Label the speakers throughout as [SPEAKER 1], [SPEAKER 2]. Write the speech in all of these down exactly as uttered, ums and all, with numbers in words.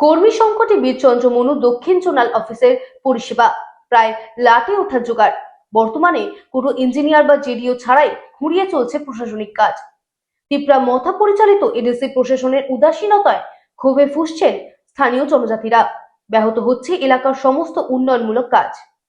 [SPEAKER 1] কর্মী সংকটে বীরচন্দ্র মনু দক্ষিণ জোনাল অফিসের পরিষেবা প্রায় লাটে ওঠার জোগাড়। বর্তমানে কোনো ইঞ্জিনিয়ার বা জেডিও ছাড়াই খুঁড়িয়ে চলছে প্রশাসনিক কাজ। তিপ্রা মথা পরিচালিত এডিসি প্রশাসনের উদাসীনতায় ক্ষোভে ফুঁসছেন স্থানীয় জনজাতিরা। ব্যাহত হচ্ছে এলাকার সমস্ত উন্নয়নমূলক কাজ।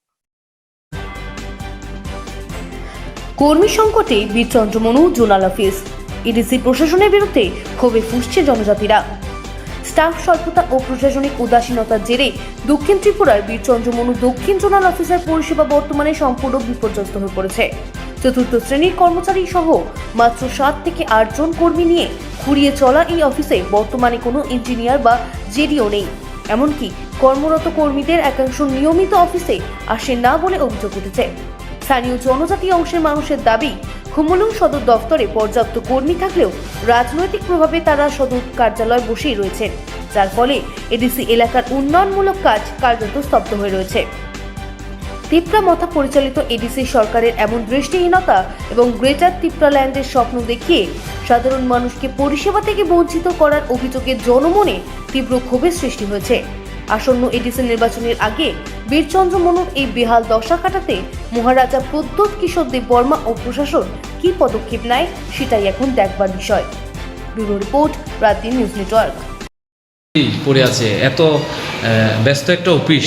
[SPEAKER 1] কর্মী সংকটে Birchandra Manu zonal office ADC প্রশাসনের বিরুদ্ধে ক্ষোভে ফুঁসছে জনজাতিরা। স্টাফ স্বল্পতা ও প্রশাসনিক উদাসীনতার জেরে দক্ষিণ ত্রিপুরার বীরচন্দ্র মনু দক্ষিণ জোনাল অফিসের পরিষেবা বর্তমানে সম্পূর্ণ বিপর্যস্ত হয়ে পড়েছে। চতুর্থ শ্রেণীর কর্মচারী সহ মাত্র সাত থেকে আট জন কর্মী নিয়ে খুঁড়িয়ে চলা এই অফিসে বর্তমানে কোনো ইঞ্জিনিয়ার বা জেডিও নেই। এমনকি কর্মরত কর্মীদের একাংশ নিয়মিত অফিসে আসে না বলে অভিযোগ উঠেছে। স্থানীয় জনজাতি অংশের মানুষের দাবি, খুমুলুং সদর দফতরে পর্যাপ্ত কর্মী থাকলেও রাজনৈতিক প্রভাবে তারা সদর কার্যালয় বসেই রয়েছেন, যার ফলে এডিসি এলাকার উন্নয়নমূলক কাজ কার্যত স্তব্ধ হয়ে রয়েছে। তিপ্রা মথা পরিচালিত এডিসি সরকারের এমন দৃষ্টিহীনতা এবং গ্রেটার তিপ্রাল্যান্ডের স্বপ্ন দেখিয়ে সাধারণ মানুষকে পরিষেবা থেকে বঞ্চিত করার অভিযোগে জনমনে তীব্র ক্ষোভের সৃষ্টি হয়েছে। আসন্ন এডিসি নির্বাচনের আগে বীরচন্দ্র মনুর এই বেহাল দশা কাটাতে মহারাজা প্রদ্যোৎ কিশোর দেব বর্মা ও প্রশাসন কি পদক্ষেপ নেয় সেটাই এখন দেখবার বিষয়। Bureau report, Raat news network.
[SPEAKER 2] পড়ে আছে এত ব্যস্ত একটা অফিস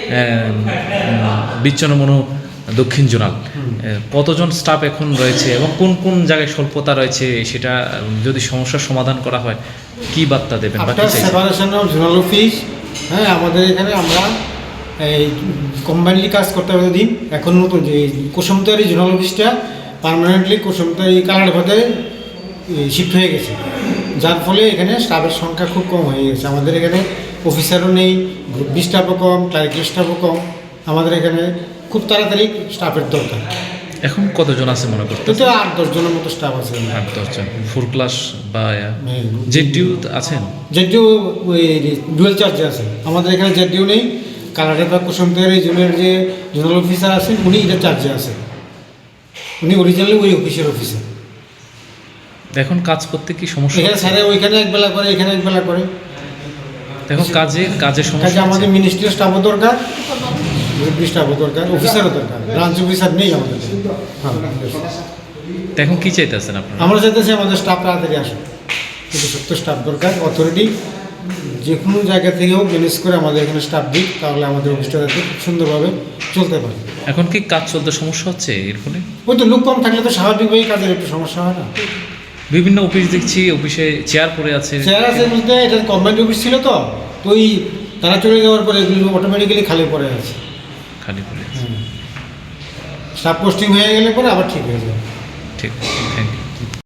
[SPEAKER 2] বীরচন্দ্র মনু দক্ষিণ জোনাল, কতজন স্টাফ এখন রয়েছে এবং কোন কোন জায়গায় স্বল্পতা রয়েছে সেটা যদি সমস্যার সমাধান করা হয় কি বার্তা দেবেন?
[SPEAKER 3] সেপারেশন অফ জোনাল অফিস, হ্যাঁ, আমাদের এখানে আমরা এই কম্বাইনলি কাজ করতে হবে দিন। এখন নতুন যে কুসুমতারি জোনাল অফিসটা পার্মানেন্টলি কুসুমতারি কালারভাতে শিফট হয়ে গেছে, যার ফলে এখানে স্টাফের সংখ্যা খুব কম হয়ে গেছে। আমাদের এখানে অফিসারও নেই, গ্রুপ বি স্টাফও কম, ক্লারিক্যাল স্টাফও কম। আমাদের এখানে খুব তাড়াতাড়ি স্টাফের দরকার।
[SPEAKER 2] এখন কতজন আছে মনে করতে?
[SPEAKER 3] তো আট দশ জনের মতো স্টাফ আছে।
[SPEAKER 2] আট দশজন ফোর ক্লাস বা জেডিও আছেন?
[SPEAKER 3] জেডিও ওই ডুয়েল চার্জে আছে। আমাদের এখানে জেডিও নেই। কালারের বা কুসুমতারি জোনের যে জোনাল অফিসার আছেন উনি এটা চার্জে আছে, উনি অরিজিনালি ওই অফিসের অফিসার।
[SPEAKER 2] এখন কাজ করতে কি সমস্যা?
[SPEAKER 3] এখানে স্যারে ওইখানে একবেলা করে, এখানে একবেলা করে।
[SPEAKER 2] এখন কাজে কাজে সমস্যা।
[SPEAKER 3] আমাদের মিনিস্ট্রির স্টাফও দরকার, স্টাফও দরকার, অফিসারও দরকার। ব্রাঞ্চ অফিসার নেই আমাদের।
[SPEAKER 2] এখন কি চাইতেছেন আপনারা?
[SPEAKER 3] আমরা চাইতেছি আমাদের স্টাফ তাড়াতাড়ি আসুন, কিন্তু সত্য স্টাফ দরকার। অথরিটি যে কোনো জায়গা থেকেও ম্যানেজ করে আমাদের এখানে স্টাফ দিক, তাহলে আমাদের অফিসটা যাতে খুব সুন্দরভাবে চলতে পারে।
[SPEAKER 2] এখন কি কাজ চলতে সমস্যা হচ্ছে এর ফলে?
[SPEAKER 3] ওই তো লোক কম থাকলে তো স্বাভাবিকভাবেই কাজের একটু সমস্যা হয় না।
[SPEAKER 2] বিভিন্ন অফিস দেখছি অফিসে চেয়ার পড়ে আছে।
[SPEAKER 3] চেয়ার আছে বলতে এটা গভর্নমেন্ট অফিস ছিল, তো তো ওই তারা চলে যাওয়ার পরে এগুলো অটোমেটিক্যালি খালি পড়ে আছে,
[SPEAKER 2] খালি পড়ে আছে।
[SPEAKER 3] স্টাফ পোস্টিং হয়ে গেলে পরে আবার ঠিক হয়ে যাবে।
[SPEAKER 2] ঠিক, থ্যাংক ইউ।